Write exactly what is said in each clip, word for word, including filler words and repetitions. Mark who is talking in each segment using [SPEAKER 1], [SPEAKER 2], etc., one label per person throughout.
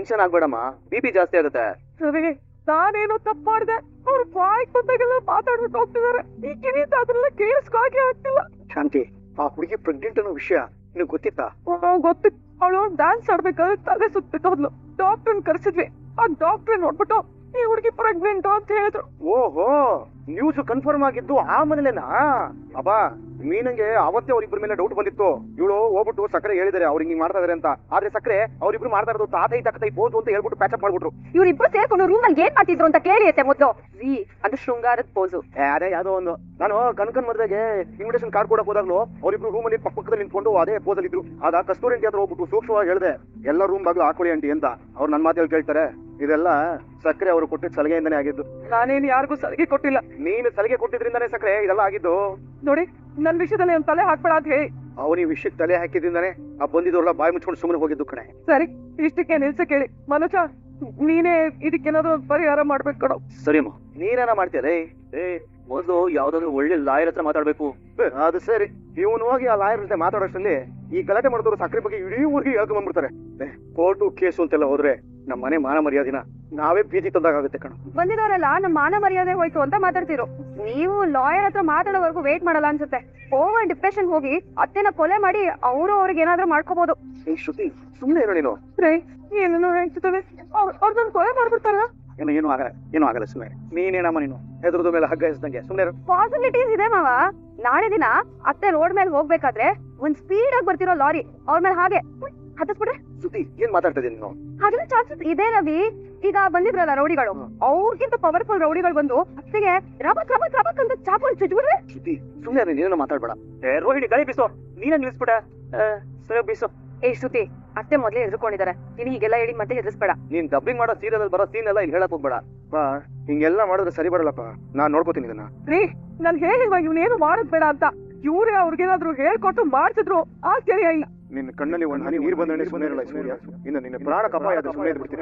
[SPEAKER 1] Tension ಆಗ್ಬೇಡಮ್ಮ, B P ಜಾಸ್ತಿ ಆಗುತ್ತೆ.
[SPEAKER 2] ಸರಿ, ನಾನೇನೋ ತಪ್ಪು ಮಾಡಿದೆ. ಅವ್ರು ಬಾಯಿಗೆ ಬಂದಾಗೆಲ್ಲ ಮಾತಾಡ್ಬಿಟ್ಟು ಹೋಗ್ತಿದಾರೆ. ಈ ಕಿವಿತ ಅದ್ರೆಲ್ಲ ಕೇಳಿಸ್ಕಾಗೆ ಆಗ್ತಿಲ್ಲ.
[SPEAKER 3] ಶಾಂತಿ, ಆ ಹುಡುಗಿ ಪ್ರೆಗ್ನೆಂಟ್ ಅನ್ನೋ ವಿಷಯ ನಿನಗೆ ಗೊತ್ತಿತ್ತಾ?
[SPEAKER 2] ಗೊತ್ತಿತ್ತು. ಅವಳು ಡ್ಯಾನ್ಸ್ ಆಡ್ಬೇಕಾದ್ರೆ ತಲೆ ಸುತ್ತಿತ್ತು ಹೋದ್ಲು. ಡಾಕ್ಟರ್ ಕರ್ಸಿದ್ವಿ. ಆ ಡಾಕ್ಟರ್ ನೋಡ್ಬಿಟ್ಟು ಈ ಹುಡುಗಿ ಪ್ರೆಗ್ನೆಂಟ್ ಅಂತ ಹೇಳಿದ್ರು.
[SPEAKER 3] ಓಹೋ, ನ್ಯೂಸ್ ಕನ್ಫರ್ಮ್ ಆಗಿದ್ದು ಆ ಮನೇಲೆನಾ? ಅಬ್ಬಾ, ಮೀನಂಗೆ ಅವತ್ತೇ ಅವ್ರಿಬ್ರ ಮೇಲೆ ಡೌಟ್ ಬಂದಿತ್ತು. ಇವಳು ಹೋಗ್ಬಿಟ್ಟು ಸಕ್ಕರೆ ಹೇಳಿದಾರೆ ಅವ್ರಿಗೆ ಹಿಂಗ್ ಮಾಡ್ತಾ ಇದಾರೆ ಅಂತ. ಆದ್ರೆ ಸಕ್ಕರೆ ಅವ್ರಿಬ್ರು ಮಾಡ್ತಾ ಇರೋದು ತಾತೈ ತಕ್ಕತೈ ಪೋಸು ಅಂತ ಹೇಳ್ಬಿಟ್ಟು ಪ್ಯಾಚಪ್ ಮಾಡ್ಬಿಟ್ರು.
[SPEAKER 4] ಇವ್ರಿಬ್ರು ಸೇರ್ಕೊಂಡು ರೂಮ್ ಅಲ್ಲಿ ಏನ್ ಮಾಡ್ತಿದ್ರು ಅಂತ ಕೇಳಿ ಐತೆ ಮೊದ್ಲು. ಜಿ ಅದು ಶೃಂಗಾರದ ಪೋಸು.
[SPEAKER 3] ಅದೇ ಯಾವ್ದೋ ಒಂದು, ನಾನು ಕನ್ಕನ್ ಮದ್ವೆಗೆ ಇನ್ವಿಟೇಷನ್ ಕಾರ್ಡ್ ಕೊಡಕ್ ಹೋದಾಗ್ಲು ಅವ್ರಿಬ್ರು ರೂಮ್ ಅಲ್ಲಿ ಪಕ್ಕದಲ್ಲಿ ನಿಂತ್ಕೊಂಡು ಅದೇ ಪೋಸ್ ಅಲ್ಲಿ ಇದ್ರು. ಆಗ ಕಸ್ತೂರಿ ಆಂಟಿ ಹತ್ರ ಹೋಗ್ಬಿಟ್ಟು ಸೂಕ್ಷ್ಮವಾಗಿ ಹೇಳಿದೆ, ಎಲ್ಲ ರೂಮ್ ಬಾಗ್ಲು ಹಾಕೊಳ್ಳಿ ಆಂಟಿ ಅಂತ. ಅವ್ರು ನನ್ ಮಾತಲ್ಲಿ ಕೇಳ್ತಾರೆ. ಇದೆಲ್ಲ ಸಕ್ಕರೆ ಅವರು ಕೊಟ್ಟಿದ್ದ ಸಲಿಗೆಯಿಂದಾನೇ ಆಗಿದ್ದು.
[SPEAKER 2] ನಾನೇನು ಯಾರಿಗೂ ಸಲಿಗೆ ಕೊಟ್ಟಿಲ್ಲ.
[SPEAKER 3] ನೀನು ಸಲಿಗೆ ಕೊಟ್ಟಿದ್ರಿಂದಾನೇ ಸಕ್ಕರೆ ಇದೆಲ್ಲ ಆಗಿದ್ದು.
[SPEAKER 2] ನೋಡಿ, ನನ್ ವಿಷಯದಲ್ಲಿ ಒಂದ್ ತಲೆ ಹಾಕ್ಬೇಡ ಅಂತ ಹೇಳಿ
[SPEAKER 3] ಅವ್ರ ಈ ವಿಷಯಕ್ಕೆ ತಲೆ ಹಾಕಿದ್ರಿಂದಾನೇ ಆ ಬಂದಿದ್ದವ್ರಲ್ಲ ಬಾಯಿ ಮುಚ್ಕೊಂಡು ಸುಮ್ಮನೆ ಹೋಗಿದ್ದು ಕಣೆ.
[SPEAKER 2] ಸರಿ, ಇಷ್ಟಕ್ಕೆ ನಿಲ್ಸ ಕೇಳಿ. ಮನೋಜ, ನೀನೇ ಇದಕ್ಕೇನಾದ್ರು ಒಂದು ಪರಿಹಾರ ಮಾಡ್ಬೇಕು ಕಣೋ.
[SPEAKER 1] ಸರಿ ಅಮ್ಮ, ನೀನೇನ ಮಾಡ್ತೀಯ? ಏ ಮೊದಲು ಯಾವ್ದಾದ್ರು ಒಳ್ಳೆ ಲಾಯರ್ ಹತ್ರ ಮಾತಾಡ್ಬೇಕು.
[SPEAKER 3] ಅದು ಸರಿ, ಇವನು ಹೋಗಿ ಆ ಲಾಯರ್ ಜೊತೆ ಮಾತಾಡೋಷ್ಟರಲ್ಲಿ ಈ ಗಲಾಟೆ ಮಾಡಿದವರು ಸಕ್ಕರೆ ಬಗ್ಗೆ ಇಡೀ ಊರಿಗೆ ಹೇಳ್ಕೊಂಡ್ ಬಂದ್ಬಿಡ್ತಾರೆ. ಕೋರ್ಟು ಕೇಸು ಅಂತೆಲ್ಲ ಹೋದ್ರೆ ನಮ್ಮ ಮನೆ ಮಾನ ಮರ್ಯಾದಿನ ನಾವೇ ಬೀದಿ ತಂದಾಗುತ್ತೆ ಕಣ.
[SPEAKER 4] ಬಂದಿದವರೆಲ್ಲ ನಮ್ಮ ಮಾನ ಮರ್ಯಾದೆ ಹೋಯ್ತು ಅಂತ ಮಾತಾಡ್ತಿರೋ. ನೀವು ಲಾಯರ್ ಹತ್ರ ಮಾತಾಡೋವರೆಗೂ ವೇಟ್ ಮಾಡಲ್ಲ ಅನ್ಸುತ್ತೆ. ಓವರ್ ಡಿಪ್ರೆಷನ್ ಹೋಗಿ ಅತ್ತೆನ ಕೊಲೆ ಮಾಡಿ ಅವರು ಅವ್ರಿಗೆ ಏನಾದ್ರೂ ಮಾಡ್ಕೋಬಹುದು.
[SPEAKER 3] ಈ ಶ್ರುತಿ, ಸುಮ್ಮನೆ ಇರೋ ನೀನು.
[SPEAKER 2] ಏನೇನೋ ಹೇಳ್ತಿದ್ದಾವೆ. ಅವ್ರು ನನ್ ಕೊಲೆ ಮಾಡ್ಬಿಡ್ತಾರ.
[SPEAKER 3] ಏನೋ ಏನು ಆಗಲ್ಲ, ಏನೂ ಆಗಲ್ಲ. ಸುಮ್ಮನೆ ನೀನೇನಮ್ಮ ನೀನು ಹೆದರದ ಮೇಲೆ ಹಗ್ಗ ಎಸ್ದಂಗೆ ಸುಮ್ಮನೆ.
[SPEAKER 4] ಪಾಸಿಬಿಲಿಟೀಸ್ ಇದೆ ಮಾವ. ನಾಳೆ ದಿನ ಅತ್ತೆ ರೋಡ್ ಮೇಲೆ ಹೋಗ್ಬೇಕಾದ್ರೆ ಒಂದ್ ಸ್ಪೀಡ್ ಆಗಿ ಬರ್ತಿರೋ ಲಾರಿ ಅವ್ರ ಮೇಲೆ ಹಾಗೆ ಹತ್ತಿಸ್ಬಿಟ್ರೆ.
[SPEAKER 3] ಶ್ರುತಿ, ಏನ್ ಮಾತಾಡ್ತಾ ಇದೀನಿ ನೀನು?
[SPEAKER 4] ಹಾಗೆಲ್ಲ ಚಾನ್ಸಸ್ ಇದೆ ರವಿ. ಈಗ ಬಂದಿದ್ರಲ್ಲ ರೌಡಿಗಳು, ಅವ್ರಿಗಿಂತ ಪವರ್ಫುಲ್ ರೌಡಿಗಳು ಬಂದು ಅತ್ತೆಗೆ ರಬಕ್ ರಬಕ್ ರಬಕ್ ಅಂತ ಚಾಪಲ್ ಚುಚ್ಬಿಡ್ರೆ.
[SPEAKER 3] ಶ್ರುತಿ, ಸುಮ್ಮನೆ ನೀನೇನೋ ಮಾತಾಡ್ಬೇಡ.
[SPEAKER 1] ಏ ರೋಹಿಣಿ, ಗಾಳಿ ಬೀಸೋ. ನೀನೇ ನಿಲ್ಸ್ಬಿಡ. ಸರಿ ಬೀಸೋ.
[SPEAKER 4] ಏ ಶ್ರುತಿ, ಅತ್ತೆ ಮೊದ್ಲೇ ಎದ್ರುಕೊಂಡಿದ್ದಾರೆ. ನೀನು ಹೀಗೆಲ್ಲ ಹೇಳಿ ಮತ್ತೆ ಎದುರಿಸ್ಬೇಡ.
[SPEAKER 3] ನೀನ್ ಡಬ್ಬಿಂಗ್ ಮಾಡೋ ಸೀರಿಯಲ್ ಅಲ್ಲಿ ಬರೋ ಸೀನ್ ಎಲ್ಲ ಇಲ್ಲಿ ಹೇಳಕ್ ಹೋಗ್ಬೇಡ. ಪಾ, ಹಿಂಗೆಲ್ಲ ಮಾಡಿದ್ರೆ ಸರಿ ಬರಲ್ಲಪ್ಪ. ನಾನ್ ನೋಡ್ಕೋತೀನಿ ಇದನ್ನ.
[SPEAKER 2] ರೀ, ನಾನ್ ಹೇಳಿಲ್ವಾ ಇವ್ನೇನು ಮಾಡೋದ್ ಬೇಡ ಅಂತ? ಇವ್ರೇ ಅವ್ರಿಗೇನಾದ್ರು ಹೇಳ್ಕೊಟ್ಟು ಮಾಡ್ತಿದ್ರು ಆಶ್ಚರ್ಯ ಇಲ್ಲ.
[SPEAKER 3] ನಿನ್ನ ಕಣ್ಣಲ್ಲಿ ಒಂದು ಹನಿ ನೀರು ಬಂದ್ರೆ ಸುಮ್ಮನೆ ಇರಲ್ಲ ಸೂರ್ಯ. ಇನ್ನು ನಿನ್ನ ಪ್ರಾಣ ಕಪಾಯ ಅದು ಸುಮ್ಮನೆ ಇದ್ಬಿಡ್ತೀನಿ.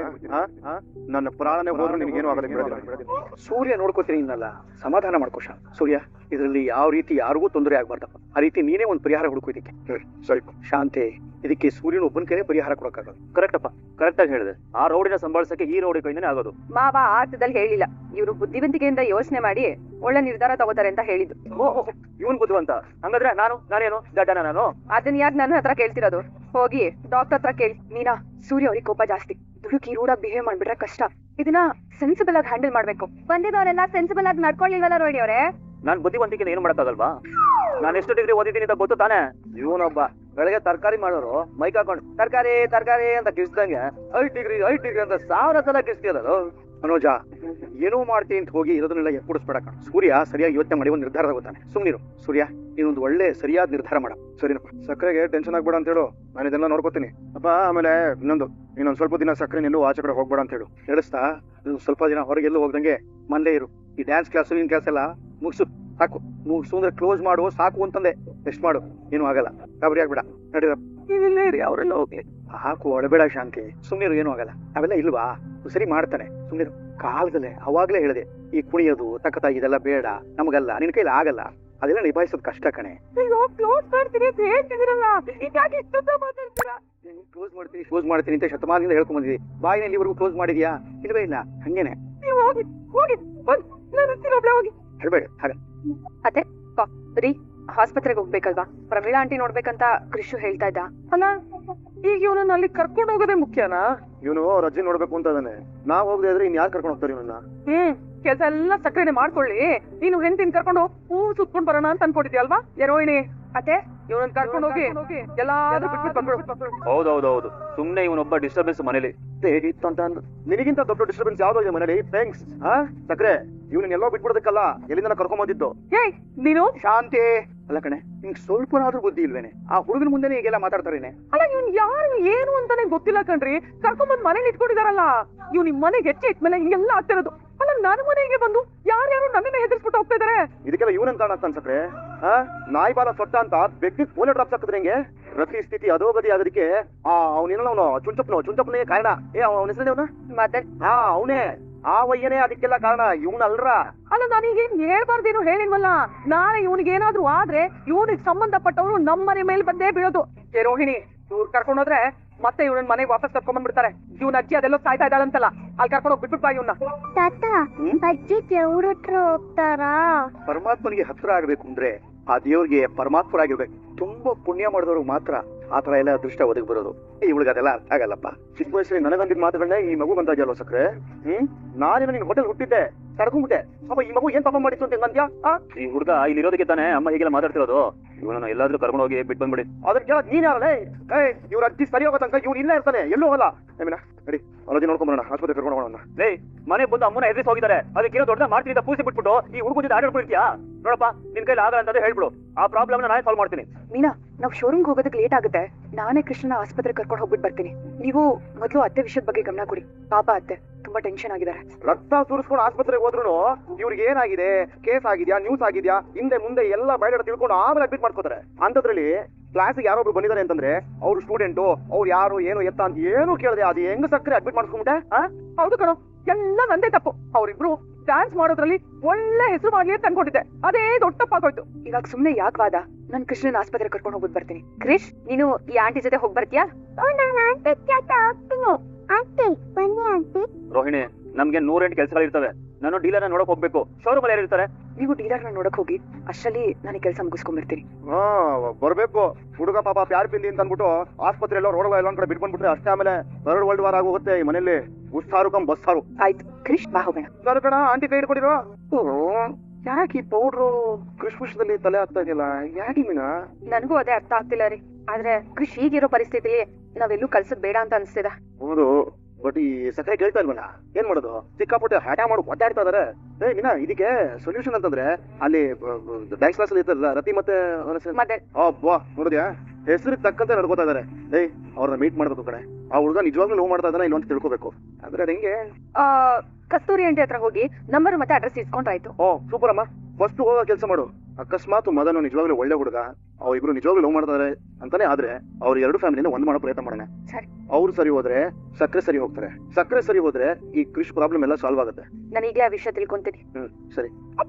[SPEAKER 3] ನನ್ನ ಪ್ರಾಣನೇ ಹೋದ್ರು ನಿನಗೇನು ಆಗಲ್ಲ. ಸೂರ್ಯ ನೋಡ್ಕೋತೀನಿ ಇನ್ನಲ್ಲ, ಸಮಾಧಾನ ಮಾಡ್ಕೋಶ. ಸೂರ್ಯ, ಇದರಲ್ಲಿ ಯಾವ ರೀತಿ ಯಾರಿಗೂ ತೊಂದರೆ ಆಗ್ಬಾರ್ದಪ್ಪ. ಆ ರೀತಿ ನೀನೇ ಒಂದು ಪರಿಹಾರ ಹುಡುಕು ಇದಕ್ಕೆ. ಸರಿ ಶಾಂತಿ, ಇದಕ್ಕೆ ಸೂರ್ಯನ ಒಬ್ಬನ ಕೈನೇ ಪರಿಹಾರ ಕೊಡಕ್ಕಾಗಲ್ಲ.
[SPEAKER 1] ಕರೆಕ್ಟ್ ಅಪ್ಪ, ಕರೆಕ್ಟ್ ಆಗಿ ಹೇಳಿದೆ. ಆ ರೌಡಿನ ಸಂಭಾಳಿಸಕ್ಕೆ ಈ ರೌಡಿ ಕೈಯಿಂದನೇ ಆಗೋದು.
[SPEAKER 4] ಮಾವ ಆಟದಲ್ಲಿ ಹೇಳಿಲ್ಲ, ಇವರು ಬುದ್ಧಿವಂತಿಕೆಯಿಂದ ಯೋಚನೆ ಮಾಡಿ ಒಳ್ಳೆ ನಿರ್ಧಾರ ತಗೋತಾರೆ ಅಂತ ಹೇಳಿದ್ದು.
[SPEAKER 1] ಓಹೋ, ಇವನ್ ಬುದ್ಧಿವಂತ. ಹಂಗಾದ್ರೆ ನಾನು ನಾನೇನು ದಡ್ಡನ ನಾನು?
[SPEAKER 4] ಅದನ್ನ ಯಾಕೆ ನನ್ನ ಹತ್ರ ಕೇಳ್ತಿರೋದು? ಹೋಗಿ ಡಾಕ್ಟರ್ ಹತ್ರ ಕೇಳಿ. ಮೀನಾ, ಸೂರ್ಯ ಅವ್ರಿಗೆ ಕೋಪ ಜಾಸ್ತಿ. ದುಡುಕಿ ರೂಢಾಗಿ ಬಿಹೇವ್ ಮಾಡ್ಬಿಟ್ರೆ ಕಷ್ಟ. ಇದನ್ನ ಸೆನ್ಸಿಬಲ್ ಆಗಿ ಹ್ಯಾಂಡಲ್ ಮಾಡ್ಬೇಕು. ಬಂದಿದ್ದವರೆಲ್ಲ ಸೆನ್ಸಿಬಲ್ ಆಗಿ ನಡ್ಕೊಳ್ಳಿಲ್ವಲ್ಲ ರೋಡಿ ಅವರೇ?
[SPEAKER 1] ನಾನ್ ಬುದ್ಧಿವಂತಿಕೆ ಏನು ಮಾಡಕ್ಕಾಗಲ್ವಾ? ನಾನು ಎಷ್ಟು ಡಿಗ್ರಿ ಓದಿದ್ದೀನಿ ಅಂತ ಗೊತ್ತು ತಾನೆ? ಇವನೊಬ್ಬ ಬೆಳಗ್ಗೆ ತರಕಾರಿ ಮಾಡೋರು ಮೈಕ್ ಹಾಕೊಂಡು ತರಕಾರಿ ತರಕಾರಿ ಅಂತ ಕಿಸ್ದಂಗೆ ಐದ್ ಡಿಗ್ರಿ ಐದ್ ಡಿಗ್ರಿ ಅಂತ ಸಾವಿರ ಸಲ ಕಿಸ್ತಿರೋದು.
[SPEAKER 3] ಮನೋಜ, ಏನೋ ಮಾಡ್ತೀನಿ ಅಂತ ಹೋಗಿ ಇರೋದನ್ನೆಲ್ಲ ಎಕ್ಕುಡಿಸ್ಬೇಡ ಕಣ. ಸೂರ್ಯ ಸರಿಯಾಗಿ ಯೋಚನೆ ಮಾಡಿ ಒಂದು ನಿರ್ಧಾರ ತಗೋತಾನೆ. ಸುಮ್ನಿರು ಸೂರ್ಯ, ನೀನೊಂದು ಒಳ್ಳೆ ಸರಿಯಾದ ನಿರ್ಧಾರ ಮಾಡ. ಸರಿನಪ್ಪ, ಸಕ್ಕರೆಗೆ ಟೆನ್ಷನ್ ಆಗ್ಬೇಡ ಅಂತ ಹೇಳು. ನಾನು ಇದೆಲ್ಲ ನೋಡ್ಕೋತೀನಿ ಅಪ್ಪ. ಆಮೇಲೆ ಇನ್ನೊಂದು, ಇನ್ನೊಂದು ಸ್ವಲ್ಪ ದಿನ ಸಕ್ಕರೆ ನಿಲ್ಲೂ ಆಚೆ ಕಡೆ ಹೋಗ್ಬೇಡ ಅಂತ ಹೇಳು. ಹೇಳಿಸ್ತಾ? ಸ್ವಲ್ಪ ದಿನ ಹೊರಗೆಲ್ಲೂ ಹೋಗ್ದಂಗೆ ಮನೇಲೇ ಇರು. ಈ ಡ್ಯಾನ್ಸ್ ಕ್ಲಾಸ್ ಇನ್ ಕ್ಲಾಸ್ ಎಲ್ಲ ಮುಗಿಸು ಸಾಕು. ಮುಗಿಸು ಅಂದ್ರೆ ಕ್ಲೋಸ್ ಮಾಡು ಸಾಕು ಅಂತಂದೆ. ರೆಸ್ಟ್ ಮಾಡು, ಏನು ಆಗಲ್ಲ. ಗಾಬರಿ ಆಗ್ಬೇಡ. ನಡೀರಪ್ಪ,
[SPEAKER 2] ಅವರೆಲ್ಲ ಹೋಗ್ಲಿ.
[SPEAKER 3] ಹಾಕು, ಒಳಬೇಡ ಶಾಂತಿ. ಸುಮ್ನಿರು, ಏನು ಆಗಲ್ಲ. ಅವೆಲ್ಲ ಇಲ್ವಾ? ಸರಿ ಮಾಡ್ತಾನೆ, ಸುಮ್ನಿರು. ಕಾಲದಲ್ಲೇ ಅವಾಗ್ಲೇ ಹೇಳಿದೆ, ಈ ಕುಣಿಯೋದು ತಕ್ಕತ ಇದೆಲ್ಲ ಬೇಡ ನಮಗಲ್ಲ, ನಿನ್ ಕೈಲಿ ಆಗಲ್ಲ. ಅದೆಲ್ಲ ನಿಭಾಯಿಸೋದು ಕಷ್ಟ ಕಣೆ.
[SPEAKER 2] ಕ್ಲೋಸ್ ಮಾಡ್ತೀನಿ ಅಂತ ಹೇಳ್ತಿದ್ದೀರಲ್ಲ, ಹೀಗಾಗಿ ಇಷ್ಟೊತ್ತ ಮಾತಾಡ್ತೀರಾ?
[SPEAKER 3] ಕ್ಲೋಸ್ ಮಾಡ್ತೀನಿ ಕ್ಲೋಸ್ ಮಾಡ್ತೀನಿ ಅಂತ ಶತಮಾನದಿಂದ ಹೇಳ್ಕೊಂಡ್ ಬಂದಿದ್ದಿ. ಬಾಯಿನಲ್ಲಿ ಇಲ್ಲಿವರೆಗೂ ಕ್ಲೋಸ್ ಮಾಡಿದ್ಯಾ? ಇಲ್ವೇ ಇಲ್ಲ. ಹಂಗೇನೆ
[SPEAKER 2] ನೀವು ಹೋಗಿ ಹೋಗಿ ಬಂದ್ ನಾನು ಒಬ್ಳೆ ಹೋಗಿ
[SPEAKER 3] ಹೇಳ್ಬೇಡ ಹಾಗ.
[SPEAKER 4] ಅತ್ತೆ ರೀ, ಆಸ್ಪತ್ರೆಗೆ ಹೋಗ್ಬೇಕಲ್ವಾ? ಪ್ರಮೀಳಾ ಆಂಟಿ ನೋಡ್ಬೇಕಂತ ಕೃಷು ಹೇಳ್ತಾ ಇದ್ದ.
[SPEAKER 2] ಅಲ್ಲ, ಈಗ ಇವನನ್ನ ಅಲ್ಲಿ ಕರ್ಕೊಂಡು ಹೋಗೋದೇ ಮುಖ್ಯನಾ?
[SPEAKER 3] ಇವನು ಅವ್ರ ಅಜ್ಜಿ ನೋಡ್ಬೇಕು ಅಂತ ಇದಾನೆ. ನಾವ್ ಹೋಗದೆ ಇದ್ರೆ ಇನ್ ಯಾರು ಕರ್ಕೊಂಡು ಹೋಗ್ತಾರೆ ಇವನನ್ನ?
[SPEAKER 2] ಹ್ಮ್ ಕೆಲಸ ಎಲ್ಲ ಸಕ್ಕರೆನೆ ಮಾಡ್ಕೊಳ್ಳಿ. ನೀನು ಹೆಂಡತಿನ ಕರ್ಕೊಂಡು ಹೂ ಸುತ್ಕೊಂಡ್ ಬರೋಣ ಅಂತ ಅನ್ಕೊಂಡಿದ್ಯಲ್ವಾ? ರೋಹಿಣಿ
[SPEAKER 4] ಅತ್ತೆ,
[SPEAKER 2] ಇವನನ್ನ ಕರ್ಕೊಂಡು ಹೋಗಿ ಎಲ್ಲಾದ್ರೂ ಬಿಟ್ಬಿಟ್ಟು ಬಂದ್ಬಿಡು.
[SPEAKER 1] ಹೌದೌದೌದು, ಸುಮ್ನೆ ಇವನೊಬ್ಬ ಡಿಸ್ಟರ್ಬೆನ್ಸ್ ಮನೇಲಿ.
[SPEAKER 3] ನಿನಗಿಂತ ದೊಡ್ಡ ಡಿಸ್ಟರ್ಬೆನ್ಸ್ ಯಾವ್ದೋ ಇದೆ ಮನೇಲಿ? ಥ್ಯಾಂಕ್ಸ್. ಹಾ ಸಕ್ರೆ, ಇವನೆಲ್ಲೋ ಬಿಟ್ಬಿಡೋದಕ್ಕಲ್ಲ ಎಲ್ಲಿಂದ ಕರ್ಕೊಂಡ್ ಬಂದಿದ್ದು.
[SPEAKER 2] ಏಯ್ ನೀನು
[SPEAKER 3] ಶಾಂತಿ. ಅಲ್ಲ ಕಣೆ, ನಿಂಗೆ ಸ್ವಲ್ಪನಾದ್ರೂ ಬುದ್ಧಿ ಇಲ್ವೇನೆ? ಆ ಹುಡುಗನ ಮುಂದೆನೆ ಈಗೆಲ್ಲ ಮಾತಾಡ್ತಾರೇನೆ?
[SPEAKER 2] ಅಲ್ಲ, ಇವ್ನ್ ಯಾರು ಏನು ಅಂತಾನೆ ಗೊತ್ತಿಲ್ಲ ಕಣ್ರಿ. ಕರ್ಕೊಂಡ್ಬಂದ್ ಮನೇಲಿ ಇಟ್ಕೊಂಡಿದಾರಲ್ಲ. ಇವ್ ನಿಮ್ ಮನೆಗೆ ಹೆಚ್ಚೆ ಇಟ್ಮೇಲೆ ಹಿಂಗೆಲ್ಲ ಆಗ್ತಿರೋದು. ಅಲ್ಲ, ನನ್ನ ಮನೆಗೆ ಬಂದು ಯಾರ್ಯಾರು ನನ್ನನ್ನ ಹೆದರ್ಸ್ಬಿಟ್ಟು ಹೋಗ್ತಾ ಇದಾರೆ.
[SPEAKER 3] ಇದಕ್ಕೆಲ್ಲ ಇವನಂತ ಕಾರಣ ಅನ್ಸಕ್ರೆ? ಹಾ, ನಾಯಿ ಬಾಲ ಸೊಟ್ಟ ಅಂತ ಬೆಕ್ಕಿಗೆ ಪೋಲೆ ಡ್ರಾಪ್ಸ್ ಹಾಕಿದ್ರೆ ಹೆಂಗೆ? ಪ್ರತಿ ಸ್ಥಿತಿ ಅಧೋಗತಿ ಆಗೋದಕ್ಕೆ ಆ ಅವನೇನೋ ಅವನು ಚುಂಚಪ್ಪನು ಚುಂಚಪ್ಪನೇ ಕಾರಣ. ಏ ಅವನ ಹೆಸರು ಅವನ
[SPEAKER 4] ಮದನ್.
[SPEAKER 3] ಹಾ, ಅವನೇ. ಆ ವಯ್ಯನೇ ಅದಕ್ಕೆಲ್ಲ ಕಾರಣ. ಇವನ್ ಅಲ್ರ.
[SPEAKER 2] ಅಲ್ಲ, ನಾನೀಗ ಹೇಳ್ಬಾರ್ದೇನು ಹೇಳಿಲ್ವಲ್ಲ. ನಾಳೆ ಇವನಿಗೆ ಏನಾದ್ರು ಆದ್ರೆ ಇವನಿಗೆ ಸಂಬಂಧಪಟ್ಟವ್ರು ನಮ್ಮನೆ ಮೇಲೆ ಬಂದೇ ಬೀಳೋದು. ಏ ರೋಹಿಣಿ, ಇವ್ರು ಕರ್ಕೊಂಡೋದ್ರೆ ಮತ್ತೆ ಇವ್ರನ್ನ ಮನೆಗೆ ವಾಪಸ್ ಕರ್ಕೊಂಡ್ ಬಂದ್ಬಿಡ್ತಾರೆ. ಇವ್ನ ಅಜ್ಜಿ ಅದೆಲ್ಲೋ ಸಾಯ್ತಾ ಇದ್ದಾಳಂತಲ್ಲ, ಅಲ್ಲಿ ಕರ್ಕೊಂಡು ಹೋಗಿ ಬಿಟ್ಬಿಟ್ಟು ಬಾ ಇವ್ನ.
[SPEAKER 5] ತಾತ ಅಜ್ಜಿ ದೇವ್ರ ಹತ್ರ ಹೋಗ್ತಾರಾ?
[SPEAKER 3] ಪರಮಾತ್ಮನಿಗೆ ಹತ್ರ ಆಗ್ಬೇಕು ಅಂದ್ರೆ ಆ ದೇವ್ರಿಗೆ ಪರಮಾತ್ಮರಾಗಿರ್ಬೇಕು. ತುಂಬಾ ಪುಣ್ಯ ಮಾಡಿದವ್ರಿಗೆ ಮಾತ್ರ ಆತರ ಎಲ್ಲ ಅದೃಷ್ಟ ಒದಗಿ ಬರೋದು. ಇವಳಿಗೆ ಅದೆಲ್ಲ ಅರ್ಥ ಆಗಲ್ಲಪ್ಪ. ಚಿಕ್ಕ ವಯಸ್ಸಲ್ಲಿ ನನಗಂದಿದ್ ಮಾತುಗಳನ್ನ ಈ ಮಗು ಬಂದಾಜಲ್ವ ಸಕ್ರೆ. ಹ್ಮ್ ನಾನೇನ ನಿನ್ ಹೋಟೆಲ್ ಹುಟ್ಟಿದ್ದೆ, ತಡ್ಕೊಂಡ್ಬಿಟ್ಟೆ. ಪಾಪ ಈ ಮಗು ಏನ್ ಪಾಪ ಮಾಡಿತ್ತು ಅಂತ ಹೆಂಗಂತ್ಯಾ? ಈ ಹುಡುಗ ಇಲ್ಲಿ ಇರೋದಕ್ಕೆ ತಾನೇ ಅಮ್ಮ ಹೀಗೆಲ್ಲ ಮಾತಾಡ್ತಿರೋದು. ಇವನನ್ನ ಎಲ್ಲಾದ್ರೂ ಕರ್ಕೊಂಡು ಹೋಗಿ ಬಿಟ್ಟು ಬಂದ್ಬಿಡಿ. ಅದಕ್ಕೆ ಕೇಳೋದು ನೀನ್ ಯಾರಲ್ಲ? ಏಯ್ ಇವ್ರ ಅಜ್ಜಿ ಸರಿ ಹೋಗೋ ತನಕ ಇವ್ನು ಇಲ್ಲೇ ಇರ್ತಾನೆ, ಎಲ್ಲೂ ಹೋಗಲ್ಲ. ಏಮಿನ ನಡಿ ಅಲೋಜಿ ನೋಡ್ಕೊಂಡ್ ಬರೋಣ, ಆಸ್ಪತ್ರೆ ಕರ್ಕೊಂಡು ಹೋಗೋಣ. ಲೇ ಮನೆ ಬಂದು ಅಮ್ಮನ ಎದುರಿಸಿ ಹೋಗಿದ್ದಾರೆ, ಅದಕ್ಕೆ ದೊಡ್ಡ ಮಾಡ್ತೀನಿ ಅಂತ ಪೂಸಿ ಬಿಟ್ಬಿಟ್ಟು ಈ ಹುಡುಗ ಜೊತೆ ಆಟಾಡ್ಬಿಡ್ತೀಯಾ? ನೋಡಪ್ಪ ನಿನ್ ಕೈಲಿ ಆಗಲ್ಲ ಅಂತಂದ್ರೆ ಹೇಳ್ಬಿಡು, ಆ ಪ್ರಾಬ್ಲಮ್ ನಾನೇ ಸಾಲ್ವ್ ಮಾಡ್ತೀನಿ.
[SPEAKER 4] ಮೀನಾ, ನಾವ್ ಶೋರೂಮ್ಗೆ ಹೋಗೋದಕ್ಕೆ ಲೇಟ್ ಆಗುತ್ತೆ. ನಾನೇ ಕೃಷ್ಣನ ಆಸ್ಪತ್ರೆ ಕರ್ಕೊಂಡು ಹೋಗ್ಬಿಟ್ಟು ಬರ್ತೀನಿ. ನೀವು ಮೊದಲು ಅತ್ತೆ ವಿಷಯದ ಬಗ್ಗೆ ಗಮನ ಕೊಡಿ. ಪಾಪ ಅತ್ತೆ ತುಂಬಾ ಟೆನ್ಷನ್ ಆಗಿದ್ದಾರೆ.
[SPEAKER 3] ರಕ್ತ ಸುರಿಸ್ಕೊಂಡು ಆಸ್ಪತ್ರೆಗೆ ಹೋದ್ರು ಇವ್ರಿಗೆ ಏನಾಗಿದೆ, ಕೇಸ್ ಆಗಿದ್ಯಾ, ನ್ಯೂಸ್ ಆಗಿದ್ಯಾ, ಹಿಂದೆ ಮುಂದೆ ಎಲ್ಲ ಬಯಡ ತಿಳ್ಕೊಂಡು ಆಮೇಲೆ ಅಡ್ಮಿಟ್ ಮಾಡ್ಕೋತಾರೆ. ಅಂತದ್ರಲ್ಲಿ ಕ್ಲಾಸಿಗೆ ಯಾರೊಬ್ರು ಬಂದಿದ್ದಾರೆ ಅಂತಂದ್ರೆ ಅವ್ರು ಸ್ಟೂಡೆಂಟು, ಅವ್ರು ಯಾರು ಏನು ಎತ್ತ ಅಂತ ಏನು ಕೇಳಿದೆ ಅದು ಹೆಂಗ್ ಸಕ್ಕರೆ ಅಡ್ಮಿಟ್ ಮಾಡ್ಸ್ಕೊಂಡ್ಬಿಟ್ಟೆ?
[SPEAKER 2] ಹೌದು ಕಣೋ, ಎಲ್ಲ ನಂದೇ ತಪ್ಪು. ಅವ್ರಿಬ್ರು ಡ್ಯಾನ್ಸ್ ಮಾಡೋದ್ರಲ್ಲಿ ಒಳ್ಳೆ ಹೆಸರು ಮಾಡ್ಲಿ ಅಂತ ಅನ್ಕೊಂಡಿದ್ದೆ, ಅದೇ ದೊಡ್ಡ ತಪ್ಪಾಗೋಯ್ತು.
[SPEAKER 4] ಇವಾಗ ಸುಮ್ನೆ ಯಾಕೆ ವಾದ? ನಾನ್ ಕೃಷ್ಣನ ಆಸ್ಪತ್ರೆ ಕರ್ಕೊಂಡು ಹೋಗ್ಬಿಟ್ಟು ಬರ್ತೀನಿ. ಕ್ರಿಶ್, ನೀನು ಈ ಆಂಟಿ ಜೊತೆ ಹೋಗಿ ಬರ್ತೀಯಾ?
[SPEAKER 5] ಆಂಟಿ ಬನ್ನಿ ಆಂಟಿ.
[SPEAKER 1] ರೋಹಿಣಿ, ನಮ್ಗೆ ನೂರೆಂಟು ಕೆಲಸಗಳು ಇರ್ತವೆ. ನಾನು ಡೀಲರ್ನ ನೋಡಕ್ ಹೋಗ್ಬೇಕು. ಶೋರೂಮ್ ಅಲ್ಲಿ ಯಾರು ಇರ್ತಾರೆ?
[SPEAKER 4] ನೀವು ಡೀಲರ್ನ ನೋಡಕ್ ಹೋಗಿ ಅಷ್ಟರಲ್ಲಿ ನಾನು ಕೆಲಸ ಮುಗಿಸ್ಕೊಂಡ್ಬಿಡ್ತೀನಿ.
[SPEAKER 3] ಹಾ ಬರ್ಬೇಕು. ಹುಡುಗ ಪಾಪ ಪ್ಯಾರ್ ಪಿಂದಿ ಅಂತ ಅನ್ಬಿಟ್ಟು ಆಸ್ಪತ್ರೆ ಎಲ್ಲೋ ರೋಡ್ ಎಲ್ಲ ಕಡೆ ಬಿಟ್ಕೊಂಡ್ಬಿಟ್ರೆ ಅಷ್ಟೇ ಆಮೇಲೆ ಥರ್ಡ್ ವರ್ಲ್ಡ್ ವಾರ್ ಆಗೋಗುತ್ತೆ ಈ ಮನೇಲಿ. ಉಸ್ಸಾರು ಕಮ್ ಬಸ್ಸಾರು.
[SPEAKER 4] ಆಯ್ತು ಕ್ರಿಶ್, ಬಾ ಹೋಗೋಣ.
[SPEAKER 3] ಸರ್ ಕಣ ಆಂಟಿ ಕೈ ಹಿಡ್ಕೊಂಡಿರೋ. ಯಾಕೆ ಈ ಪೌಡ್ರು ಕೃಷ್ಣದಲ್ಲಿ ತಲೆ ಆಗ್ತಾ ಇದೆಯಲ್ಲ, ಯಾಕೆ ಮೀನಾ?
[SPEAKER 4] ನನಗೂ ಅದೇ ಅರ್ಥ ಆಗ್ತಿಲ್ಲ ರೀ. ಆದ್ರೆ ಕೃಷ್ ಈಗಿರೋ ಪರಿಸ್ಥಿತಿಲಿ ನಾವೆಲ್ಲೂ ಕಲ್ಸದ್ ಬೇಡ ಅಂತ ಅನ್ಸ್ತಿದೆ.
[SPEAKER 3] ಹೌದು, ಬಟ್ ಈ ಸಕ್ಕರೆ ಕೇಳ್ತಾ ಇಲ್ವಲ್ಲ, ಏನ್ ಮಾಡೋದು? ಸಿಕ್ಕಾಪಟ್ಟೆ ಹ್ಯಾಟ ಮಾಡಿ ಒದ್ದಾಡ್ತಾ ಇದಾರೆ. ಏ ಮೀನಾ, ಇದಕ್ಕೆ ಸೊಲ್ಯೂಷನ್ ಅಂತಂದ್ರೆ ಅಲ್ಲಿ ಡ್ಯಾನ್ಸ್ ಕ್ಲಾಸ್ ಅಲ್ಲಿ ಇರ್ತಾರಲ್ಲ ರತಿ ಮತ್ತೆ
[SPEAKER 4] ಮತ್ತೆ
[SPEAKER 3] ಅಬ್ಬಾ ನೋಡಿದ್ಯಾ, ಹೆಸರಿಗೆ ತಕ್ಕಂತೆ ನಡ್ಕೋತಾ ಇದಾರೆ. ಏಯ್ ಅವ್ರನ್ನ ಮೀಟ್ ಮಾಡ್ಬೇಕು ಕಡೆ. ಆ ಹುಡುಗ ನಿಜವಾಗ್ಲೂ ಲವ್ ಮಾಡ್ತಾ ಇದ್ದಾನ ಇಲ್ಲ ಅಂತ ತಿಳ್ಕೊಬೇಕು. ಅಂದ್ರೆ ಅದ್ ಹೆಂಗೆ?
[SPEAKER 4] ಆ ಕಸ್ತೂರಿ ಆಂಟಿ ಹತ್ರ ಹೋಗಿ ನಂಬರ್ ಮತ್ತೆ ಅಡ್ರೆಸ್ ಇಸ್ಕೊಂಡ್ರಾಯ್ತು.
[SPEAKER 3] ಓ ಸೂಪರ್ ಅಮ್ಮ, ಫಸ್ಟ್ ಹೋಗೋ ಕೆಲಸ ಮಾಡು. ಅಕಸ್ಮಾತ್ ಮದನು ನಿಜವಾಗ್ಲೂ ಒಳ್ಳೆ ಹುಡುಗ, ಅವ್ರಿಬ್ರು ನಿಜವಾಗ್ಲೂ ಲವ್ ಮಾಡ್ತಾರೆ ಅಂತಾನೆ ಆದ್ರೆ ಅವ್ರ ಎರಡು ಫ್ಯಾಮಿಲಿನ ಒಂದ್ ಮಾಡೋ ಪ್ರಯತ್ನ ಮಾಡೋಣ.
[SPEAKER 4] ಸರಿ.
[SPEAKER 3] ಅವ್ರು ಸರಿ ಹೋದ್ರೆ ಸಕ್ಕರೆ ಸರಿ ಹೋಗ್ತಾರೆ, ಸಕ್ಕರೆ ಸರಿ ಹೋದ್ರೆ ಈ ಕೃಷಿ ಪ್ರಾಬ್ಲಮ್ ಎಲ್ಲ ಸಾಲ್ವ್ ಆಗುತ್ತೆ.
[SPEAKER 4] ನಾನು ಈಗಲೇ ಆ ವಿಷಯ ತಿಳ್ಕೊಂತೀನಿ.
[SPEAKER 3] ಹ್ಮ್ ಸರಿ.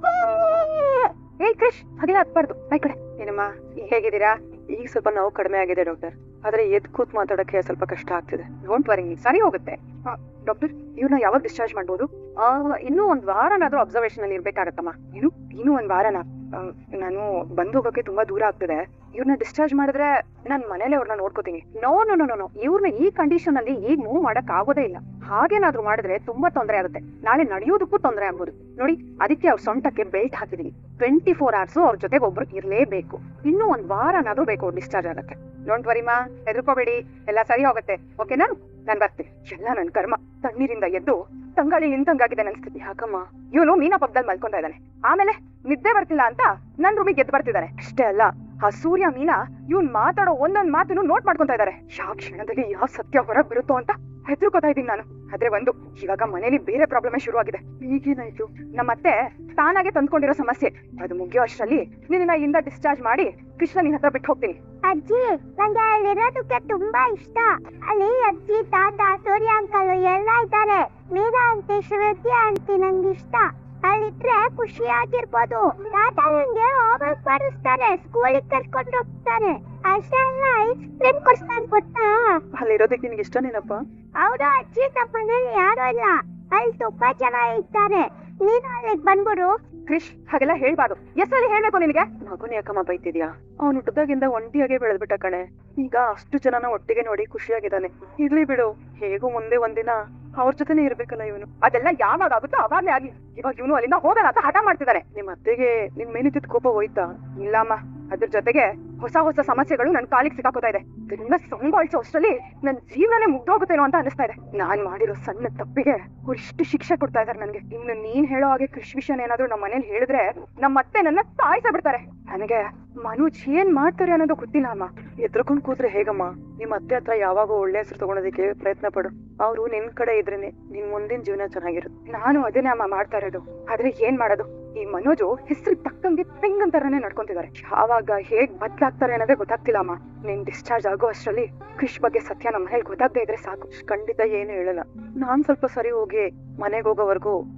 [SPEAKER 4] ಏ ಕ್ರಿಶ್, ಹಾಗೆಲ್ಲ ಹತ್ಬಾರ್ದು. ಬೈ ಕಡೆ. ಏನಮ್ಮ ಹೇಗಿದ್ದೀರಾ?
[SPEAKER 2] ಈಗ ಸ್ವಲ್ಪ ನೋವು ಕಡಿಮೆ ಆಗಿದೆ ಡಾಕ್ಟರ್, ಆದ್ರೆ ಎದ್ ಕೂತ್ ಮಾತಾಡಕ್ಕೆ ಸ್ವಲ್ಪ ಕಷ್ಟ ಆಗ್ತಿದೆ.
[SPEAKER 4] ಡೋಂಟ್ ವರಿ, ಸರಿ ಹೋಗುತ್ತೆ. ಡಾಕ್ಟರ್, ಇವ್ರನ್ನ ಯಾವಾಗ ಡಿಸ್ಚಾರ್ಜ್ ಮಾಡ್ಬೋದು? ಇನ್ನೂ ಒಂದ್ ವಾರನಾದ್ರೂ ಅಬ್ಸರ್ವೇಷನ್ ಅಲ್ಲಿ ಇರ್ಬೇಕಾಗತ್ತಮ್ಮ. ಏನು ಇನ್ನೂ ಒಂದ್ ವಾರನಾ? ನಾನು ಬಂದ್ ಹೋಗೋಕೆ ತುಂಬಾ ದೂರ ಆಗ್ತಿದೆ. ಇವ್ರನ್ನ ಡಿಸ್ಚಾರ್ಜ್ ಮಾಡಿದ್ರೆ ನಾನ್ ಮನೇಲೆ ಅವ್ರನ್ನ ನೋಡ್ಕೋತೀನಿ. ನೋ ನೋ ನೋ ನೋ ಇವ್ರನ್ನ ಈ ಕಂಡೀಷನ್ ಅಲ್ಲಿ ಈಗ ಮೂವ್ ಮಾಡಕ್ ಆಗೋದೇ ಇಲ್ಲ. ಹಾಗೇನಾದ್ರೂ ಮಾಡಿದ್ರೆ ತುಂಬಾ ತೊಂದರೆ ಆಗುತ್ತೆ. ನಾಳೆ ನಡೆಯೋದಕ್ಕೂ ತೊಂದರೆ ಆಗ್ಬೋದು. ನೋಡಿ, ಅದಕ್ಕೆ ಅವ್ರ ಸೊಂಟಕ್ಕೆ ಬೆಲ್ಟ್ ಹಾಕಿದೀನಿ. ಟ್ವೆಂಟಿ ಫೋರ್ ಅವರ್ಸ್ ಅವ್ರ ಜೊತೆಗೆ ಒಬ್ರು ಇರ್ಲೇಬೇಕು. ಇನ್ನೂ ಒಂದ್ ವಾರನಾದ್ರೂ ಬೇಕು ಡಿಸ್ಚಾರ್ಜ್ ಆಗಕ್ಕೆ. ಡೋಂಟ್ ವರಿ ಮಾ, ಹೆದರ್ಕೋಬೇಡಿ, ಎಲ್ಲ ಸರಿ ಹೋಗುತ್ತೆ. ಓಕೆನಾ? ನಾನ್ ಬರ್ತೀನಿ. ಎಲ್ಲ ನನ್ ಕರ್ಮ. ತಣ್ಣೀರಿಂದ ಎದ್ದು ತಂಗಾಳಿ ನಿಂತಂಗಾಗಿದೆ ನನ್ ಸ್ಥಿತಿ. ಯಾಕಮ್ಮ? ಇವನು ಮೀನಾ ಪಕ್ಕದಲ್ಲಿ ಮಲ್ಕೊಂತಾ ಇದ್ದಾನೆ. ಆಮೇಲೆ ನಿದ್ದೆ ಬರ್ತಿಲ್ಲ ಅಂತ ನನ್ ರೂಮಿಗೆ ಎದ್ದು ಬರ್ತಿದ್ದಾನೆ. ಅಷ್ಟೇ ಅಲ್ಲ, ಆ ಸೂರ್ಯ ಮೀನಾ ಇವ್ನ್ ಮಾತಾಡೋ ಒಂದೊಂದ್ ಮಾತನ್ನು ನೋಟ್ ಮಾಡ್ಕೊಂತ ಇದಾರೆ. ಯಾವ ಕ್ಷಣದಲ್ಲಿ ಯಾವ ಸತ್ಯ ಹೊರಗ್ ಬರುತ್ತೋ ಅಂತ ಹೆದರ್ಕೋತಾ ಇದೀನಿ ನಾನು. ಆದ್ರೆ ಒಂದು, ಇವಾಗ ಮನೇಲಿ ಬೇರೆ ಪ್ರಾಬ್ಲಮ್ ಶುರು ಆಗಿದೆ. ಈಗೇನಾಯ್ತು? ನಮ್ಮತ್ತೆ ತಾನಾಗೆ ತಂದ್ಕೊಂಡಿರೋ ಸಮಸ್ಯೆ. ಅದು ಮುಗಿಯೋ ಅಷ್ಟರಲ್ಲಿ ನಿನ್ನ ಇಂದ ಡಿಸ್ಚಾರ್ಜ್ ಮಾಡಿ ಕೃಷ್ಣ ನಿನ್ ಹತ್ರ ಬಿಟ್ಟು ಹೋಗ್ತೀನಿ.
[SPEAKER 5] ಅಜ್ಜಿ, ನಂಗೆ ಅಲ್ಲಿರೋದಕ್ಕೆ ತುಂಬಾ ಇಷ್ಟ. ಅಲ್ಲಿ ಅಜ್ಜಿ, ತಾತ, ಸೂರ್ಯ ಅಂಕಲ್ ಎಲ್ಲ ಇದ್ದಾರೆ. ಮೀರಾ ಅಂತೆ, ಶ್ರುತಿ ಆಂಟಿ ನಂಗೆ ಇಷ್ಟ. ಅಲ್ಲಿಟ್ರೆ ಖುಷಿಯಾಗಿರ್ಬೋದು. ತಾತ ನಂಗೆ ಹೋಮ್ವರ್ಕ್ ಮಾಡಿಸ್ತಾರೆ, ಸ್ಕೂಲಿಗೆ ಕರ್ಕೊಂಡು ಹೋಗ್ತಾರೆ. ಅಷ್ಟೇ ಅಲ್ಲ, ಐಸ್ ಕ್ರೀಮ್ ಕೊಡ್ಸ್ತಾರೆ ಗೊತ್ತಾ?
[SPEAKER 2] ಅಲ್ಲಿರೋದಕ್ಕೆ ನಿನ್ಗೆ ಇಷ್ಟನೇನಪ್ಪ?
[SPEAKER 5] ಹೌದು ಅಜ್ಜಿ, ನಮ್ಮ ಮನೇಲಿ ಯಾರು ಇಲ್ಲ. ಅಲ್ಲಿ ತುಂಬಾ ಜನ ಇದ್ದಾರೆ. ನೀನು ಅಲ್ಲಿಗೆ ಬಂದ್ಬಿಡು.
[SPEAKER 4] ಕ್ರಿಶ್, ಹಾಗೆಲ್ಲ ಹೇಳ್ಬಾರ್ದು. ಎಷ್ಟಲ್ಲಿ ಹೇಳ್ಬೇಕು ನಿನಗೆ?
[SPEAKER 2] ಮಗುನ ಯಾಕಮ್ಮ ಬೈತಿದ್ಯಾ? ಅವ್ನು ಹುಟ್ಟದಾಗಿಂದ ಒಂಟಿಯಾಗೆ ಬೆಳೆದ್ಬಿಟ್ಟ ಕಣೆ. ಈಗ ಅಷ್ಟು ಜನನ ಒಟ್ಟಿಗೆ ನೋಡಿ ಖುಷಿಯಾಗಿದ್ದಾನೆ. ಇರ್ಲಿ ಬಿಡು, ಹೇಗೂ ಮುಂದೆ ಒಂದಿನ ಅವ್ರ ಜೊತೆನೆ ಇರ್ಬೇಕಲ್ಲ ಇವನು.
[SPEAKER 4] ಅದೆಲ್ಲ ಯಾವಾಗ ಆಗುತ್ತೋ ಅವಾಗ್ಲೇ ಆಗ್ಲಿ. ಇವಾಗ ಇವನು ಅಲ್ಲಿಂದ ಹೋಗಲ್ಲ ಅಂತ ಹಠ ಮಾಡ್ತಿದ್ದಾನೆ.
[SPEAKER 2] ನಿಮ್ ಅತ್ತೆಗೆ ನಿನ್ ಮೇಲಿದ್ದ ಕೋಪ ಹೋಯ್ತಾ?
[SPEAKER 4] ಇಲ್ಲಮ್ಮ, ಅದ್ರ ಜೊತೆಗೆ ಹೊಸ ಹೊಸ ಸಮಸ್ಯೆಗಳು ನನ್ ಕಾಲಿಗೆ ಸಿಕ್ಕಾಕೋತಾ ಇದೆ. ಇದನ್ನ ಸಂಭಾಳಿಸೋ ಅಷ್ಟರಲ್ಲಿ ನನ್ ಜೀವನನೇ ಮುಗ್ದೋಗುತ್ತೇನೋ ಅಂತ ಅನಿಸ್ತಾ ಇದೆ. ನಾನ್ ಮಾಡಿರೋ ಸಣ್ಣ ತಪ್ಪಿಗೆ ಅವ್ರು ಇಷ್ಟು ಶಿಕ್ಷೆ ಕೊಡ್ತಾ ಇದಾರೆ ನನ್ಗೆ. ಇನ್ನು ನೀನ್ ಹೇಳೋ ಹಾಗೆ ಕೃಷಿ ವಿಷಯ ಏನಾದ್ರು ನಮ್ಮ ಮನೇಲಿ ಹೇಳಿದ್ರೆ ನಮ್ಮ ಅತ್ತೆ ನನ್ನ ಸಾಯಿಸ ಬಿಡ್ತಾರೆ. ನನಗೆ ಮನೋಜ್ ಏನ್ ಮಾಡ್ತಾರೆ ಅನ್ನೋದು ಗೊತ್ತಿಲ್ಲ ಅಮ್ಮ.
[SPEAKER 2] ಎದ್ರಕೊಂಡ್ ಕೂತ್ರೆ ಹೇಗಮ್ಮ? ನಿಮ್ ಅತ್ತೆ ಹತ್ರ ಯಾವಾಗ ಒಳ್ಳೆ ಹೆಸರು ತಗೊಳೋದಕ್ಕೆ ಪ್ರಯತ್ನ ಪಡು. ಅವ್ರು ನಿನ್ ಕಡೆ ಇದ್ರೇನೆ ನಿನ್ ಮುಂದಿನ ಜೀವನ ಚೆನ್ನಾಗಿರುತ್ತೆ.
[SPEAKER 4] ನಾನು ಅದನ್ನೇ ಅಮ್ಮ ಮಾಡ್ತಾ ಇರೋದು. ಆದ್ರೆ ಏನ್ ಮಾಡೋದು, ಈ ಮನೋಜು ಹೆಸರು ತಕ್ಕಂಗೆ ಪೆಂಗನ್ ತರನೇ ನಡ್ಕೊಂತಿದ್ದಾರೆ. ಯಾವಾಗ ಹೇಗ್ ಬದ್ಲಾಗ್ತಾರೆ ಅನ್ನೋದೇ ಗೊತ್ತಾಗ್ತಿಲ್ಲ ಅಮ್ಮ. ನೀನ್ ಡಿಸ್ಚಾರ್ಜ್ ಆಗೋ ಅಷ್ಟರಲ್ಲಿ ಕೃಷ್ ಬಗ್ಗೆ ಸತ್ಯ ನಮ್ಮ ಮನೇಲಿ ಗೊತ್ತಾಗದೆ ಇದ್ರೆ ಸಾಕು.
[SPEAKER 2] ಖಂಡಿತ ಏನು ಹೇಳಲ್ಲ. ನಾನ್ ಸ್ವಲ್ಪ ಸರಿ ಹೋಗಿ ಮನೆಗೆ ಹೋಗೋವರೆಗೂ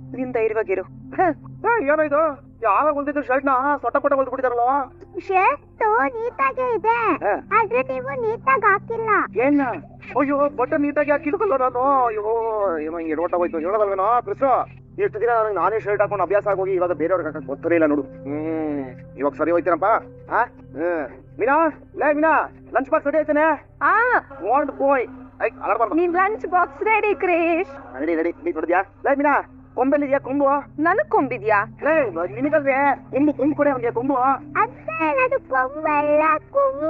[SPEAKER 4] ನಿನ್ ಧೈರ್ಯವಾಗಿರು.
[SPEAKER 3] ಏನೋ ಇದು ಯಾವಾಗ ಹೊಲ್ದಿದ್ದು ಶರ್ಟ್ ನ ಸೊಟ್ಟ ಪಟ್ಟ ಹೊಲ್ದು ಬಿಟ್ಟಿದಾರಲ್ಲ.
[SPEAKER 5] ಶರ್ಟ್ ನೀಟಾಗೆ ಇದೆ
[SPEAKER 3] ಹಾ.
[SPEAKER 5] ಆದ್ರೆ ನೀವು ನೀಟಾಗಿ ಹಾಕಿಲ್ಲ.
[SPEAKER 3] ಏನ ಅಯ್ಯೋ ಬಟನ್ ನೀಟಾಗಿ ಹಾಕಿಲ್ಕಲ್ಲ ನಾನು. ಅಯ್ಯೋ ಏನೋ ಹಿಂಗೆ ಎಡವಟ್ಟ ಹೋಯ್ತು ಹೇಳೋದಲ್ವೇನೋ ಕೃಷ್ಣ. ಎಷ್ಟು ದಿನ ನನಗೆ ನಾನೇ ಶರ್ಟ್ ಹಾಕೊಂಡು ಅಭ್ಯಾಸ ಆಗೋಗಿ ಇವಾಗ ಬೇರೆಯವ್ರಿಗೆ ಹಾಕಕ್ ಗೊತ್ತರೇ ಇಲ್ಲ ನೋಡು. ಹ್ಮ್ ಇವಾಗ ಸರಿ ಹೋಯ್ತೀನಪ್ಪ. ಹಾ ಹ್ಮ್ ಮೀನಾ ಲೇ ಮೀನಾ ಲಂಚ್ ಬಾಕ್ಸ್ ರೆಡಿ ಆಯ್ತಾನೆ.
[SPEAKER 2] ಆ
[SPEAKER 3] ವಾಂಟ್ ಬಾಯ್ ಐ ಅಲರ್ಬಾರ್ದು.
[SPEAKER 2] ನಿನ್ lunch box ready creche.
[SPEAKER 3] Ready ready ನೀ ನೋಡಿದ್ಯಾ ಲೇ ಮೀನಾ ಕೊಂಬೆಲ್ಲಿದ್ಯಾ ಕೊಂಬು?
[SPEAKER 2] ನನಗ್ ಕೊಂಬಿದ್ಯಾ?
[SPEAKER 3] ಲೇ ನಿನಗಲ್ವೇ ಕೊಂಬು ಕೊಂಬು ಕೊಡೆ ಅವ್ನಿಗೆ ಕೊಂಬು.
[SPEAKER 5] ಅತ್ತೆ ಅದು ಕೊಂಬಲ್ಲ ಕೊಂಬು.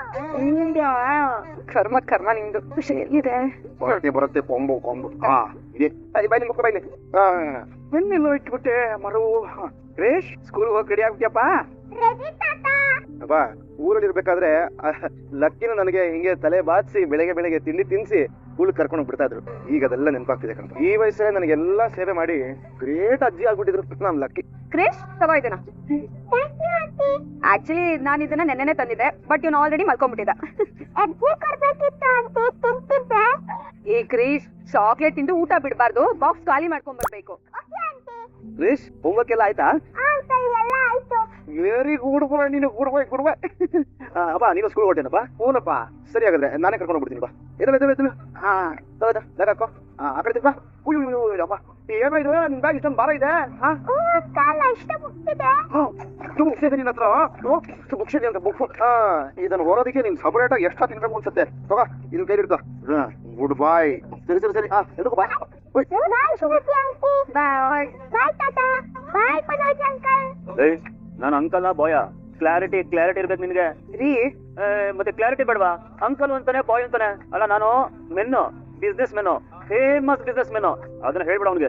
[SPEAKER 4] ಕರ್ಮ ಕರ್ಮ ನಿಂದು. ಎಲ್ಲಿದೆ?
[SPEAKER 3] ಬರುತ್ತೆ ಬರುತ್ತೆ ಕೊಂಬು ಕೊಂಬು. ಹಾ ಇದೆ ಬೈಲಿ ಮುಖ ಬೈಲಿ. ಬೆನ್ನೆಲ್ಲೋ ಇಟ್ಬಿಟ್ಟೆ ಮರು. ಕ್ರೇಶ್ ಸ್ಕೂಲ್ ಹೋಗಿ ರೆಡಿ ಆಗ್ಬಿಟ್ಯಪ್ಪ?
[SPEAKER 5] ರೆಡಿ ತಾತ.
[SPEAKER 3] ಅಪ್ಪ ಊರಲ್ಲಿ ಇರ್ಬೇಕಾದ್ರೆ ಲಕ್ಕಿನ ನನಗೆ ಹಿಂಗೆ ತಲೆ ಬಾಚಿಸಿ ಬೆಳಗ್ಗೆ ಬೆಳಗ್ಗೆ ತಿಂಡಿ ತಿನ್ಸಿ ಸ್ಕೂಲ್ ಕರ್ಕೊಂಡು ಬಿಡ್ತಾ ಇದ್ರು. ಈಗ ಅದೆಲ್ಲ ನೆನಪಾಗ್ತಿದೆ ಕಣಪ್ಪ. ಈ ವಯಸ್ಸಲ್ಲಿ ನನಗೆಲ್ಲ ಸೇವೆ ಮಾಡಿ ಗ್ರೇಟ್ ಅಜ್ಜಿ ಆಗ್ಬಿಟ್ಟಿದ್ರು ನಮ್ ಲಕ್ಕಿ.
[SPEAKER 4] ಕ್ರೇಶ್ ತಗೋ ಇದನ್ನ. ಆಕ್ಚುಲಿ ನಾನು ಇದನ್ನ ನೆನ್ನೆನೆ ತಂದಿದ್ದೆ, ಬಟ್ ಇವ್ನು ಆಲ್ರೆಡಿ ಮಲ್ಕೊಂಡ್ಬಿಟ್ಟಿದ್ದ.
[SPEAKER 5] ಅಜ್ಜಿ ಕೊಡ್ಬೇಕಿತ್ತು ಅಂತ ತಿಂತಿದ್ದೆ.
[SPEAKER 4] ಈ ಕ್ರೇಶ್ ಚಾಕ್ಲೇಟ್ ತಿಂದು ಊಟ ಬಿಡಬಾರ್ದು, ಬಾಕ್ಸ್ ಖಾಲಿ ಮಾಡ್ಕೊಂಡ್ ಬರ್ಬೇಕು.
[SPEAKER 5] Okay aunty.
[SPEAKER 3] ಕ್ರೇಶ್ ಹೋಗ್ಬೇಕೆಲ್ಲ ಆಯ್ತಾ?
[SPEAKER 5] ಆ ಅಂಕಲ್ ಎಲ್ಲ ಆಯ್ತು.
[SPEAKER 3] ವೆರಿ ಗುಡ್ ಬಾಯ್ ನೀನು ಗುಡ್ ಬಾಯ್ ಗುಡ್ ಬಾಯ್. ಅಪ್ಪ ನೀನು ಸ್ಕೂಲ್ ಹೊಟ್ಟೆನಪ್ಪ? ಹೂನಪ್ಪ. ಸರಿ ಹಾಗಾದ್ರೆ ನಾನೇ ಕರ್ಕೊಂಡು ಹೋಗ್ಬಿಡ್ತೀನಿ ಬಾ. ಎದಲ್ಲ ಎದಲ್ಲ ಎದಲ್ಲ. ಹಾ ಹೌದಾ ಬ್ಯಾಗ್ ಹಾಕೋ. ಹಾ ಆ ಕಡೆ ತಿಪ್ಪ. ಉಯ್ಯು ಅಪ್ಪ ಏನೋ ಇದು ನಿನ್ ಬ್ಯಾಗ್ ಇಷ್ಟೊಂದು ಭಾರ ಇದೆ. ಹಾ
[SPEAKER 5] ಓ ಕಾಲ ಇಷ್ಟ ಮುಗ್ತಿದೆ.
[SPEAKER 3] ಬುಕ್ಸ್ ಇದೆ ನಿನ್ನ ಹತ್ರ? ಬುಕ್ಸ್ ಇದೆ ಅಂತ ಬುಕ್. ಹಾ ಇದನ್ನು ಓರೋದಕ್ಕೆ ನೀನ್ ಸಪರೇಟ್ ಆಗಿ ಎಷ್ಟು ತಿನ್ಬೇಕು ಅನ್ಸುತ್ತೆ. ತಗೋ ಇದನ್ನ ಕೈಲಿ ಇಡ್ಕೋ. ಗುಡ್ ಬಾಯ್. ಸರಿ ಸರಿ ಸರಿ. ಹಾ ಎದಕ್ಕೂ ಬಾ.
[SPEAKER 5] ಬಾಯ್ ಸುಮತಿ ಆಂಟಿ. ಬಾಯ್. ಬಾಯ್ ತಾತ. Bye Manoj uncle.
[SPEAKER 1] ನಾನು ಅಂಕಲ್ ಬಾಯ ಕ್ಲಾರಿಟಿ ಕ್ಲಾರಿಟಿ ಇರ್ಬೇಕು ನಿನ್ಗೆ.
[SPEAKER 4] ರೀ
[SPEAKER 1] ಮತ್ತೆ ಕ್ಲಾರಿಟಿ ಬೇಡವಾ? ಅಂಕಲ್ ಅಂತಾನೆ ಬಾಯ್ ಅಂತಾನೆ ಅಲ್ಲ. ನಾನು man business man famous business man ಅದನ್ನ ಹೇಳ್ಬಿಡ ಅವ್ನಿಗೆ.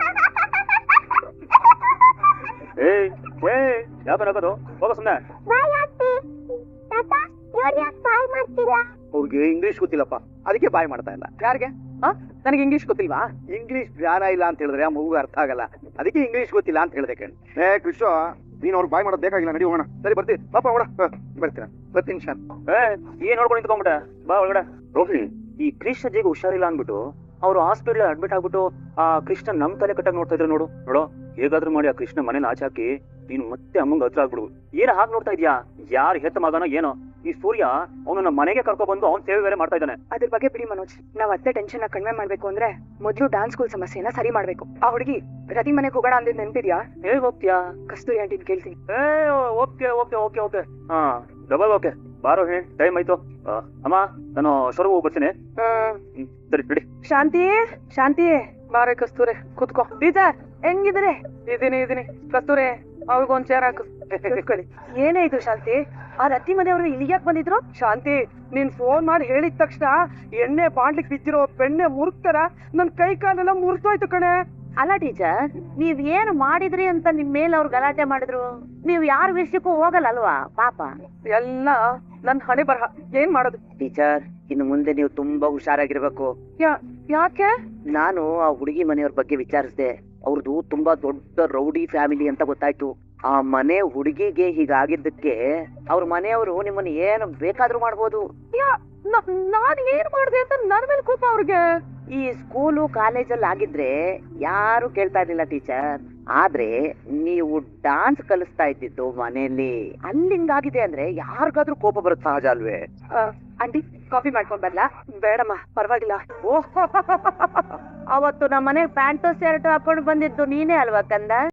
[SPEAKER 1] ಏಯ್ ಏಯ್ ಯಾಕೆ ಹಾಕೋದು ಹೋಗ ಸುಮ್ನೆ.
[SPEAKER 5] Bye aunty. ತಾತ ಇವ್ರು ಯಾಕೆ ಬಾಯ್ ಮಾಡ್ತಿಲ್ಲ?
[SPEAKER 3] ಅವ್ರಿಗೆ ಇಂಗ್ಲಿಷ್ ಗೊತ್ತಿಲ್ಲಪ್ಪ, ಅದಕ್ಕೆ ಬಾಯ್ ಮಾಡ್ತಾ ಇಲ್ಲ.
[SPEAKER 2] ಯಾರಿಗೆ? ಆ ನನಗೆ ಇಂಗ್ಲಿಷ್ ಗೊತ್ತಿಲ್ವಾ?
[SPEAKER 3] ಇಂಗ್ಲಿಷ್ ಜ್ಞಾನ ಇಲ್ಲ ಅಂತ ಹೇಳಿದ್ರೆ ಆ ಮಗು ಅರ್ಥ ಆಗಲ್ಲ, ಅದಕ್ಕೆ ಇಂಗ್ಲಿಷ್ ಗೊತ್ತಿಲ್ಲ ಅಂತ ಹೇಳ್ದೆ ಕಣ್. ಏ ಕೃಷ್ಣ ನೀನ್ ಅವ್ರು ಬಾಯ್ ಮಾಡೋದು ಬೇಕಾಗಿಲ್ಲ, ನಡಿ ಹೋಗೋಣ. ಸರಿ ಬರ್ತೀನಿ ಪಾಪ ಹೋಗೋಣ. ಬರ್ತೀನ ಬರ್ತೀನಿ ಶಾನ್.
[SPEAKER 1] ಏ ಏನ್ ನೋಡ್ಕೊಂಡು ನಿಂತ್ಕೊಂಡ್ಬಿಟ್ಟೆ ಬಾ ಒಳಗಡೆ. ರೋಹಿ ಈ ಕೃಷ್ಣ ಜೀಗ ಹುಷಾರಿಲ್ಲ ಅನ್ಬಿಟ್ಟು ಅವ್ರು ಹಾಸ್ಪಿಟಲ್ ಅಡ್ಮಿಟ್ ಆಗ್ಬಿಟ್ಟು ಆ ಕೃಷ್ಣ ನಮ್ ತಲೆ ಕಟ್ಟಾಗಿ ನೋಡ್ತಾ ಇದ್ರು. ನೋಡು ನೋಡು ಹೇಗಾದ್ರೂ ಮಾಡಿ ಆ ಕೃಷ್ಣ ಮನೇನ ಆಚೆ ಹಾಕಿ ನೀನು ಮತ್ತೆ ಅಮ್ಮಂಗ ಹತ್ರ ಆಗ್ಬಿಡು. ಏನ ಹಾಗೆ ನೋಡ್ತಾ ಇದ್ಯಾ? ಯಾರು ಹೆತ್ತ ಮಗನೋ ಏನೋ ಈ ಸೂರ್ಯ ಅವನು ನಮ್ಮ ಮನೆಗೆ ಕರ್ಕೊ ಬಂದು ಅವ್ನ್ ಸೇವೆ ಬೇರೆ ಮಾಡ್ತಾ ಇದ್ದಾನೆ.
[SPEAKER 4] ಅದ್ರ ಬಗ್ಗೆ ಬಿಡಿ ಮನೋಜ್, ನಾವ್ ಅತ್ತೆ ಟೆನ್ಷನ್ ನ ಕಡಿಮೆ ಮಾಡ್ಬೇಕು ಅಂದ್ರೆ ಮೊದ್ಲು ಡಾನ್ಸ್ ಸ್ಕೂಲ್ ಸಮಸ್ಯೆನ ಸರಿ ಮಾಡ್ಬೇಕು. ಆ ಹುಡುಗಿ ರತಿ ಮನೆಗೆ ಹೋಗೋಣ ಅಂದಿದ್ ನೆನ್ಪಿದ್ಯಾ?
[SPEAKER 1] ಹೇಗ್ ಹೋಗ್ತೀಯಾ?
[SPEAKER 4] ಕಸ್ತೂರಿ ಆಂಟಿನ್ ಕೇಳ್ತೀನಿ.
[SPEAKER 1] ಏ ಓಕೆ ಓಕೆ ಓಕೆ ಓಕೆ ಹಾ ಡಬಲ್ ಓಕೆ ಬಾರೋ ಹೇ ಟೈಮ್ ಆಯ್ತು. ಅಮ್ಮ ನಾನು ಶೋರೂಮ್ ಹೋಗಿ ಬರ್ತೀನಿ. ಹ್ಮ್ ಸರಿ ಬಿಡಿ.
[SPEAKER 2] ಶಾಂತಿ ಶಾಂತಿ ಬಾರೆ ಕಸ್ತೂರೆ ಕುತ್ಕೋ. ಟೀಚರ್ ಹೆಂಗಿದ್ರೆ? ಇದೀನಿ ಇದೀನಿ. ಕಸ್ತೂರೆ ಅವ್ರಿಗೊಂದ್ ಚೇರ್ ಹಾಕು. ಕೂತ್ಕೊಳ್ಳಿ.
[SPEAKER 4] ಏನೇ ಇದು ಶಾಂತಿ, ಆ ರತಿ ಮನೆಯವರು ಇಲ್ಲಿ ಯಾಕೆ ಬಂದಿದ್ರು?
[SPEAKER 2] ಶಾಂತಿ ನೀನ್ ಫೋನ್ ಮಾಡಿ ಹೇಳಿದ ತಕ್ಷಣ ಎಣ್ಣೆ ಬಾಂಡ್ಲಿಕ್ ಬಿದ್ದಿರೋ ಬೆಣ್ಣೆ ಮುರುಕ್ತಾರ ನನ್ ಕೈ ಕಾಲೆಲ್ಲ ಮುರಿದೋಯ್ತು ಕಣೆ.
[SPEAKER 6] ಅಲ್ಲ ಟೀಚರ್, ನೀವ್ ಏನ್ ಮಾಡಿದ್ರಿ ಅಂತ ನಿಮ್ ಮೇಲೆ ಅವ್ರು ಗಲಾಟೆ ಮಾಡಿದ್ರು? ನೀವ್ ಯಾರ ವಿಷಯಕ್ಕೂ ಹೋಗಲ್ಲ ಅಲ್ವಾ ಪಾಪ?
[SPEAKER 2] ಎಲ್ಲ ನನ್ ಹಣೆ ಬರಹ. ಏನ್ ಮಾಡೋದು?
[SPEAKER 7] ಟೀಚರ್ ಇನ್ನು ಮುಂದೆ ನೀವು ತುಂಬಾ ಹುಷಾರಾಗಿರ್ಬೇಕು.
[SPEAKER 2] ಯಾ ಯಾಕೆ?
[SPEAKER 7] ನಾನು ಆ ಹುಡುಗಿ ಮನೆಯವ್ರ ಬಗ್ಗೆ ವಿಚಾರಿಸಿದೆ. ಅವ್ರದ್ದು ತುಂಬಾ ದೊಡ್ಡ ರೌಡಿ ಫ್ಯಾಮಿಲಿ ಅಂತ ಗೊತ್ತಾಯ್ತು. ಆ ಮನೆ ಹುಡುಗಿಗೆ ಹೀಗಾಗಿದ್ದಕ್ಕೆ ಅವ್ರ ಮನೆಯವರು ನಿಮ್ಮನ್ನ ಏನು ಬೇಕಾದ್ರೂ ಮಾಡ್ಬೋದು.
[SPEAKER 2] ಯಾ ನಾನ್ ಏನ್ ಮಾಡ್ದೆ ಅಂತ ನನ್ ಮೇಲೆ ಕೋಪ ಅವ್ರಿಗೆ.
[SPEAKER 7] ಈ ಸ್ಕೂಲು ಕಾಲೇಜಲ್ಲಿ ಆಗಿದ್ರೆ ಯಾರು ಕೇಳ್ತಾ ಇರ್ಲಿಲ್ಲ ಟೀಚರ್. ಆದ್ರೆ ನೀವು ಡಾನ್ಸ್ ಕಲಿಸ್ತಾ ಇದ್ದಿದ್ದು ಮನೆಯಲ್ಲಿ ಅಲ್ಲಿಂಗಾಗಿದೆ ಅಂದ್ರೆ ಯಾರಿಗಾದ್ರೂ ಕೋಪ ಬರುತ್ತೆ, ಸಹಜ ಅಲ್ವೇ?
[SPEAKER 4] ಆಂಟಿ ಕಾಫಿ ಮಾಡ್ಕೊಂಡ್ ಬರ್ಲಾ?
[SPEAKER 2] ಬೇಡಮ್ಮ ಪರವಾಗಿಲ್ಲ.
[SPEAKER 6] ಓಹ್ ಅವತ್ತು ನಮ್ಮ ಮನೆಗ್ ಪ್ಯಾಂಟು ಶರ್ಟ್ ಹಾಕೊಂಡು ಬಂದಿದ್ದು ನೀನೇ ಅಲ್ವಾ ಕಂದ?